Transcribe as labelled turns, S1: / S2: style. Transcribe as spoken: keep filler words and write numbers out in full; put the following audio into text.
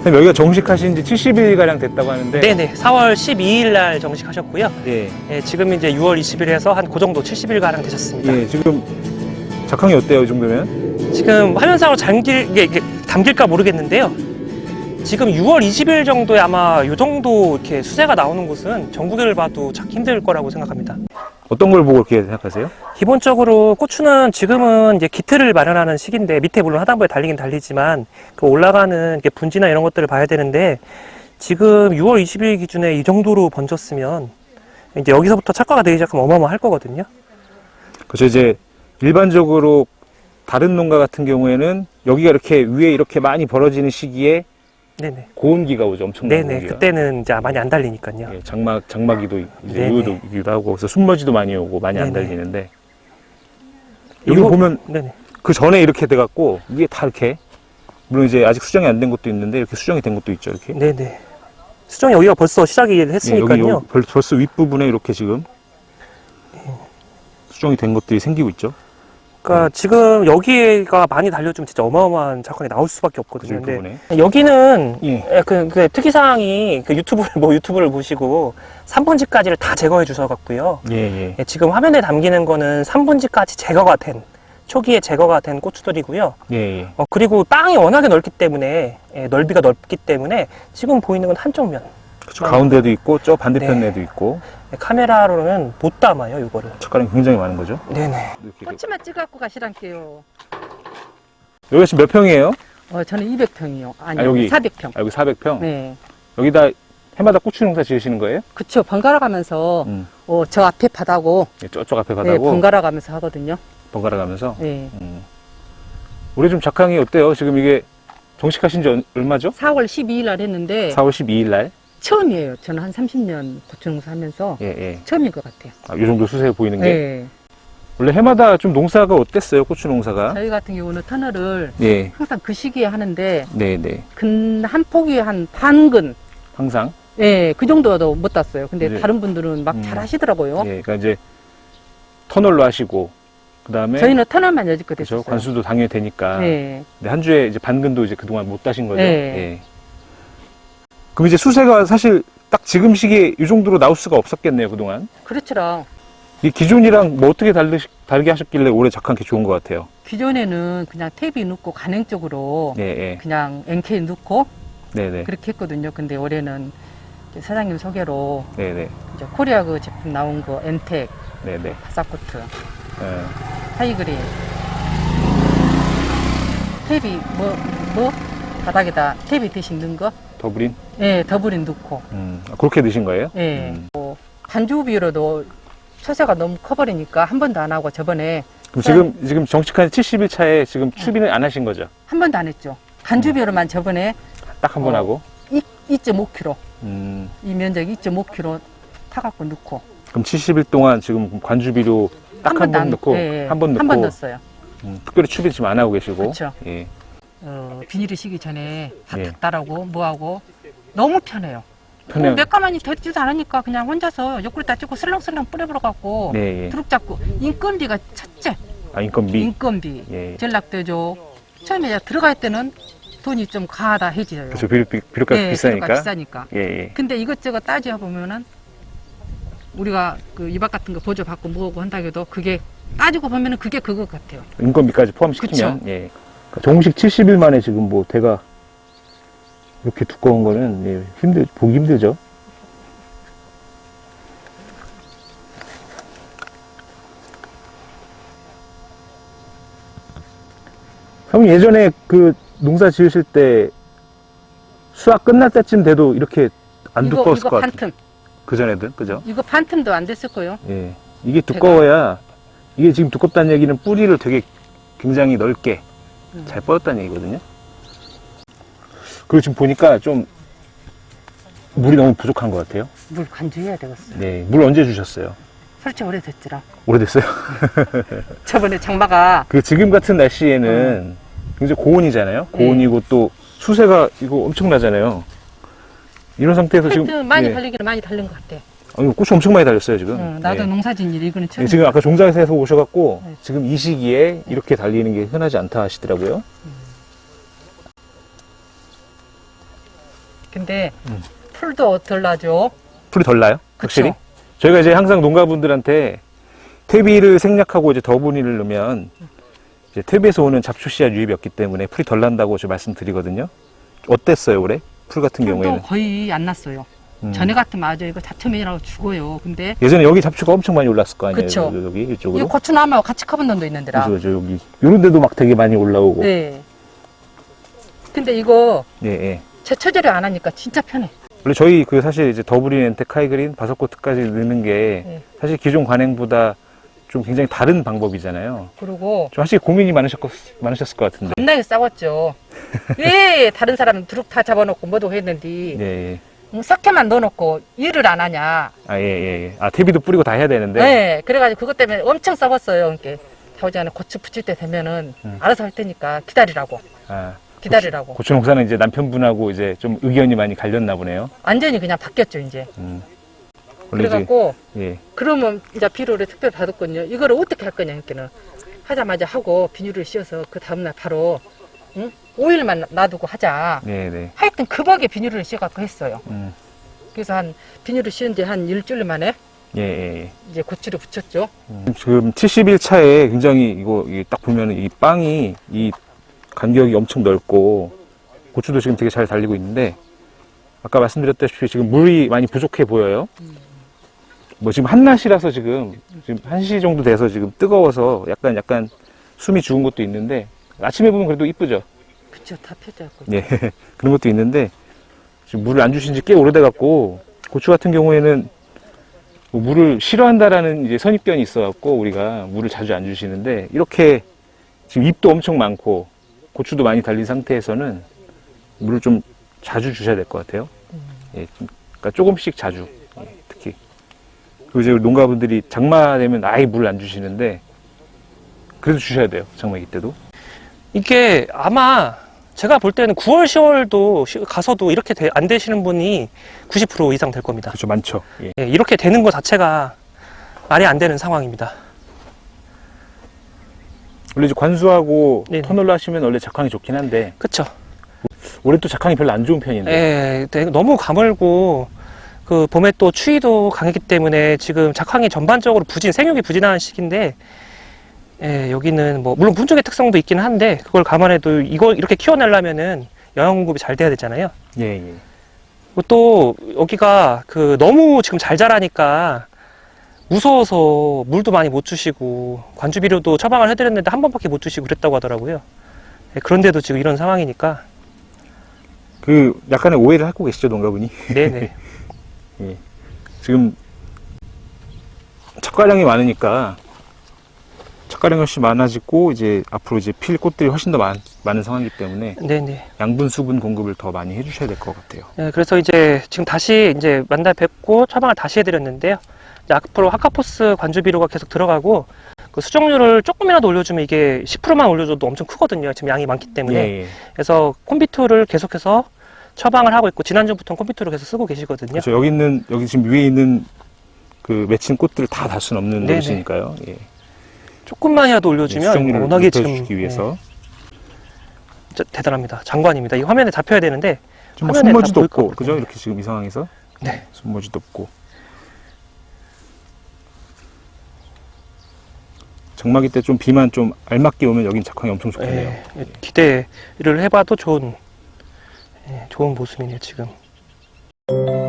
S1: 선생님, 여기가 정식하신 지 칠십 일가량 됐다고 하는데.
S2: 네네. 사월 십이일 날 정식하셨고요.
S1: 예.
S2: 예, 지금 이제 유월 이십일에서 한 그 정도 칠십 일가량 되셨습니다.
S1: 예, 지금 작황이 어때요, 이 정도면?
S2: 지금 화면상으로 잠길, 이게, 이게 담길까 모르겠는데요. 지금 유월 이십일 정도에 아마 이 정도 이렇게 수세가 나오는 곳은 전국을 봐도 찾기 힘들 거라고 생각합니다.
S1: 어떤 걸 보고 그렇게 생각하세요?
S2: 기본적으로 고추는 지금은 이제 기틀을 마련하는 시기인데, 밑에 물론 하단부에 달리긴 달리지만 그 올라가는 이렇게 분지나 이런 것들을 봐야 되는데, 지금 유월 이십일 기준에 이 정도로 번졌으면 이제 여기서부터 착과가 되기 시작하면 어마어마할 거거든요.
S1: 그렇죠. 이제 일반적으로 다른 농가 같은 경우에는 여기가 이렇게 위에 이렇게 많이 벌어지는 시기에
S2: 네네.
S1: 고온기가 오죠. 엄청난
S2: 네네.
S1: 고온기가.
S2: 그때는 이제 많이 안 달리니까요.
S1: 예, 장막, 장마기도 이제
S2: 네네.
S1: 요요도기도 하고, 그래서 숨머지도 많이 오고 많이 안
S2: 네네.
S1: 달리는데, 여기
S2: 이거-
S1: 보면
S2: 네네.
S1: 그 전에 이렇게 돼갖고 이게 다 이렇게, 물론 이제 아직 수정이 안 된 것도 있는데 이렇게 수정이 된 것도 있죠. 이렇게.
S2: 네네. 수정 여기가 벌써 시작이
S1: 예, 여기
S2: 했으니까요.
S1: 요- 벌- 벌써 윗부분에 이렇게 지금 수정이 된 것들이 생기고 있죠.
S2: 그러니까 지금 여기가 많이 달려주면 진짜 어마어마한 작황이 나올 수밖에 없거든요.
S1: 그죠,
S2: 근데
S1: 윗부분에.
S2: 여기는
S1: 예.
S2: 예, 그, 그 특이사항이 그 유튜브를 뭐 유튜브를 보시고 삼 분지까지를 다 제거해 주셔갖고요.
S1: 예, 예.
S2: 예, 지금 화면에 담기는 거는 삼 분지까지 제거가 된 초기에 제거가 된 고추들이고요.
S1: 예, 예.
S2: 어, 그리고 땅이 워낙에 넓기 때문에 예, 넓이가 넓기 때문에 지금 보이는 건 한쪽 면.
S1: 그쵸, 가운데도 있고 저 반대편에도
S2: 네.
S1: 있고
S2: 예, 카메라로는 못 담아요, 이거를.
S1: 젓가락이 굉장히 많은 거죠.
S2: 네네.
S1: 이렇게.
S3: 꼬치만 찍어갖고 가시란게요.
S1: 여기가 지금 몇 평이에요?
S3: 어, 저는 이백 평이요. 아니,
S1: 아, 여기?
S3: 사백 평.
S1: 아, 여기 사백 평?
S3: 네.
S1: 여기다 해마다 고추 농사 지으시는 거예요?
S3: 그쵸. 번갈아 가면서,
S1: 음.
S3: 어, 저 앞에 바다고,
S1: 예, 저쪽 앞에
S3: 네,
S1: 바다고
S3: 번갈아 가면서 하거든요.
S1: 번갈아 가면서.
S3: 네.
S1: 음. 올해 좀 작황이 어때요? 지금 이게 정식하신 지 얼- 얼마죠?
S3: 사월 십이일 날 했는데,
S1: 사월 십이일 날.
S3: 처음이에요. 저는 한 삼십 년 고추농사 하면서
S1: 예, 예.
S3: 처음인 것 같아요.
S1: 아, 이 정도 수세 보이는 게.
S3: 네.
S1: 원래 해마다 좀 농사가 어땠어요? 고추 농사가?
S3: 저희 같은 경우는 터널을
S1: 예.
S3: 항상 그 시기에 하는데,
S1: 네, 네.
S3: 근, 한 폭이 한 반근,
S1: 항상.
S3: 예, 그 정도도 못 땄어요. 근데
S1: 이제-
S3: 다른 분들은 막
S1: 음.
S3: 잘 하시더라고요.
S1: 예. 그러니까 이제 터널로 하시고 그다음에
S3: 저희는 터널만 여지껏
S1: 그렇죠.
S3: 했었어요.
S1: 관수도 당연히 되니까.
S3: 네.
S1: 근데 한 주에 이제 반근도 이제 그동안 못 따신 거죠.
S3: 네.
S1: 예. 그럼 이제 수세가 사실 딱 지금 시기에 이 정도로 나올 수가 없었겠네요, 그동안.
S3: 그렇더라.
S1: 이 기존이랑 뭐 어떻게 다르, 다르게 하셨길래 올해 작황 이렇게 좋은 것 같아요.
S3: 기존에는 그냥 탭이 넣고 간행적으로
S1: 네, 네.
S3: 그냥 엔케이 넣고
S1: 네, 네.
S3: 그렇게 했거든요. 근데 올해는 이제 사장님 소개로
S1: 네, 네.
S3: 이제 코리아 그 제품 나온 거 엔텍,
S1: 네, 네.
S3: 바사코트,
S1: 예.
S3: 하이그린 탭이 뭐, 뭐? 바닥에다 탭이 대신 넣은 거?
S1: 더블인?
S3: 예, 더블인 넣고
S1: 음. 아, 그렇게 드신 거예요?
S3: 예.
S1: 음.
S3: 뭐 반주 비율로도 초세가 너무 커버리니까 한 번도 안 하고 저번에
S1: 그럼 지금, 지금 정식한 칠십 일 차에 지금 추비는 안 하신 거죠?
S3: 한 번도 안 했죠. 반주 비율로만 저번에
S1: 딱 한 번
S3: 어.
S1: 하고?
S3: 이 점 오 킬로그램
S1: 음.
S3: 이 면적 이 점 오 킬로그램 타갖고 넣고
S1: 그럼 칠십 일 동안 지금 관주비료 딱 한
S3: 번도
S1: 번
S3: 안-
S1: 넣고,
S3: 예, 예.
S1: 한 번 넣고,
S3: 한 번 넣었어요.
S1: 음, 특별히 추비 지금 안 하고 계시고.
S3: 그쵸.
S1: 예.
S3: 어, 비닐이 시기 전에 다
S1: 예.
S3: 닦다라고 뭐하고 너무 편해요.
S1: 편해요.
S3: 어, 몇 가만히 되지도 않으니까 그냥 혼자서 옆구리 찍고 슬렁슬렁 뿌려버려 갖고
S1: 네, 예.
S3: 두룩 잡고 인건비가 첫째
S1: 아, 인건비.
S3: 인건비
S1: 예.
S3: 전락대죠. 처음에 이제 들어갈 때는 돈이 좀 과하다 해지요.
S1: 그렇죠. 비료, 비- 비료값이
S3: 예,
S1: 비싸니까.
S3: 비료가 비싸니까.
S1: 예, 예.
S3: 근데 이것저것 따져 보면은 우리가 그 이박 같은 거 보조 받고 뭐고 한다고 해도 그게 따지고 보면은 그게 그것 같아요.
S1: 인건비까지 포함시키면. 예. 그러니까 정식 칠십 일 만에 지금 뭐 대가 이렇게 두꺼운 거는 예, 힘들, 보기 힘들죠. 형 예전에 그 농사 지으실 때 수확 끝날 때쯤 돼도 이렇게 안
S3: 이거
S1: 두꺼웠을
S3: 이거
S1: 것 같아요.
S3: 반틈
S1: 그 전에든, 그죠?
S3: 이거 반틈도 안 됐을 거예요.
S1: 예. 이게 두꺼워야, 이게 지금 두껍다는 얘기는 뿌리를 되게 굉장히 넓게
S3: 음.
S1: 잘 뻗었다는 얘기거든요. 그리고 지금 보니까 좀 물이 너무 부족한 것 같아요.
S3: 물 간주해야 되겠어.
S1: 네. 물 언제 주셨어요?
S3: 솔직히 오래됐지라.
S1: 오래됐어요?
S3: 저번에 장마가
S1: 그 지금 같은 날씨에는 굉장히 고온이잖아요. 고온이고 또 수세가 이거 엄청나잖아요. 이런 상태에서 지금.
S3: 하여튼 많이
S1: 예.
S3: 달리기는 많이 달린 것 같아.
S1: 아, 이거 꽃이 엄청 많이 달렸어요, 지금.
S3: 응, 나도
S1: 예.
S3: 농사진 일 이거는 처음.
S1: 예, 지금 아까 종자에서 오셔갖고
S3: 네.
S1: 지금 이 시기에 이렇게 달리는 게 흔하지 않다 하시더라고요.
S3: 근데
S1: 음.
S3: 풀도 덜 나죠.
S1: 풀이 덜 나요?
S3: 그쵸.
S1: 확실히? 저희가 이제 항상 농가분들한테 퇴비를 생략하고 이제 더분이를 넣으면 이제 퇴비에서 오는 잡초 씨앗 유입이 없기 때문에 풀이 덜 난다고 저 말씀드리거든요. 어땠어요, 올해? 풀 같은
S3: 풀도
S1: 경우에는?
S3: 거의 안 났어요.
S1: 음.
S3: 전에 같으면 아주 이거 잡초면이라고 죽어요. 근데
S1: 예전에 여기 잡초가 엄청 많이 올랐을 거 아니에요?
S3: 그쵸.
S1: 여기, 여기
S3: 이
S1: 이쪽으로?
S3: 고추나무하고 같이 커본 놈도 있는데라.
S1: 그죠, 저 여기. 요런 데도 막 되게 많이 올라오고.
S3: 네. 근데 이거
S1: 예, 예.
S3: 제초제를 안 하니까 진짜 편해.
S1: 원래 저희 그 사실 이제 더블인 엔텍 하이그린 바석코트까지 넣는 게
S3: 네.
S1: 사실 기존 관행보다 좀 굉장히 다른 방법이잖아요.
S3: 그리고
S1: 좀 사실 고민이 많으셨, 많으셨을 것 같은데.
S3: 겁나게 싸웠죠. 왜 다른 사람은 두릅 다 잡아놓고 뭐도 했는데
S1: 예, 예.
S3: 음, 석회만 넣어놓고 일을 안 하냐.
S1: 아, 예, 예, 예. 아, 퇴비도 뿌리고 다 해야 되는데.
S3: 네. 그래가지고 그것 때문에 엄청 싸웠어요. 이렇게 자오지간에 고추 붙일 때 되면은
S1: 음.
S3: 알아서 할 테니까 기다리라고.
S1: 아,
S3: 기다리라고.
S1: 고추 농사는 이제 남편분하고 이제 좀 의견이 많이 갈렸나 보네요.
S3: 완전히 그냥 바뀌었죠, 이제.
S1: 음. 원래 이제,
S3: 그래갖고
S1: 예.
S3: 그러면 이제 비료를 특별히 받았거든요. 이거를 어떻게 할 거냐, 이렇게는 하자마자 하고 비닐을 씌워서 그 다음날 바로 응? 오 일만 놔두고 하자.
S1: 네, 네.
S3: 하여튼 급하게 비닐을 씌워갖고 했어요.
S1: 음.
S3: 그래서 한 비닐을 씌운 지 한 일주일 만에
S1: 예, 예, 예.
S3: 이제 고추를 붙였죠.
S1: 음. 지금 칠십 일 차에 굉장히 이거 이딱 보면은 이 빵이 이 간격이 엄청 넓고 고추도 지금 되게 잘 달리고 있는데 아까 말씀드렸다시피 지금 물이 많이 부족해 보여요. 뭐 지금 한낮이라서 지금 지금 한 시 정도 돼서 지금 뜨거워서 약간 약간 숨이 죽은 것도 있는데 아침에 보면 그래도 이쁘죠.
S3: 그쵸, 다 펴져갖고.
S1: 예. 그런 것도 있는데 지금 물을 안 주신 지 꽤 오래돼 갖고 고추 같은 경우에는 뭐 물을 싫어한다라는 이제 선입견이 있어 갖고 우리가 물을 자주 안 주시는데 이렇게 지금 잎도 엄청 많고 고추도 많이 달린 상태에서는 물을 좀 자주 주셔야 될 것 같아요. 예, 좀, 그러니까 조금씩 자주, 예, 특히. 그리고 이제 농가분들이 장마 되면 아예 물을 안 주시는데 그래도 주셔야 돼요. 장마기 때도.
S2: 이게 아마 제가 볼 때는 구월, 시월도 시- 가서도 이렇게 돼- 안 되시는 분이 구십 퍼센트 이상 될 겁니다.
S1: 그렇죠, 많죠. 예.
S2: 예, 이렇게 되는 것 자체가 말이 안 되는 상황입니다.
S1: 원래 이제 관수하고
S2: 네네.
S1: 터널로 하시면 원래 작황이 좋긴 한데
S2: 그쵸?
S1: 올해 또 작황이 별로 안 좋은 편인데.
S2: 예, 되게 너무 가물고 그 봄에 또 추위도 강했기 때문에 지금 작황이 전반적으로 부진, 생육이 부진한 시기인데 예, 여기는 뭐 물론 분종의 특성도 있긴 한데 그걸 감안해도 이걸 이렇게 키워내려면은 영양 공급이 잘 돼야 되잖아요.
S1: 예, 예.
S2: 그리고 또 여기가 그 너무 지금 잘 자라니까 무서워서 물도 많이 못 주시고 관주 비료도 처방을 해드렸는데 한 번밖에 못 주시고 그랬다고 하더라고요. 예, 그런데도 지금 이런 상황이니까
S1: 그 약간의 오해를 하고 계시죠, 농가분이?
S2: 네네.
S1: 예. 지금 척가량이 많으니까 척가량이 훨씬 많아지고 이제 앞으로 이제 필 꽃들이 훨씬 더 많, 많은 상황이기 때문에
S2: 네네.
S1: 양분 수분 공급을 더 많이 해주셔야 될 것 같아요.
S2: 예, 그래서 이제 지금 다시 이제 만날 뵙고 처방을 다시 해드렸는데요. 이제 앞으로 하카포스 관주 비료가 계속 들어가고 그 수정률을 조금이라도 올려주면 이게 십 퍼센트만 올려줘도 엄청 크거든요. 지금 양이 많기 때문에.
S1: 예, 예.
S2: 그래서 콤비투를 계속해서 처방을 하고 있고 지난주부터 콤비투를 계속 쓰고 계시거든요.
S1: 그렇죠. 여기 있는 여기 지금 위에 있는 그 맺힌 꽃들을 다 달 수는 없는
S2: 네네.
S1: 노릇이니까요. 예.
S2: 조금만이라도 올려주면
S1: 수정률을
S2: 워낙에 지금
S1: 높여주기 위해서
S2: 예, 진짜 대단합니다. 장관입니다. 이 화면에 잡혀야 되는데
S1: 지금 뭐
S2: 화면에 다
S1: 손머지도
S2: 보일 것
S1: 없고
S2: 같거든요.
S1: 그죠? 이렇게 지금 이 상황에서
S2: 네.
S1: 손머지도 없고 장마기 때 좀 비만 좀 알맞게 오면 여긴 작황이 엄청 좋겠네요.
S2: 예, 예, 기대를 해봐도 좋은 예, 좋은 모습이네요 지금.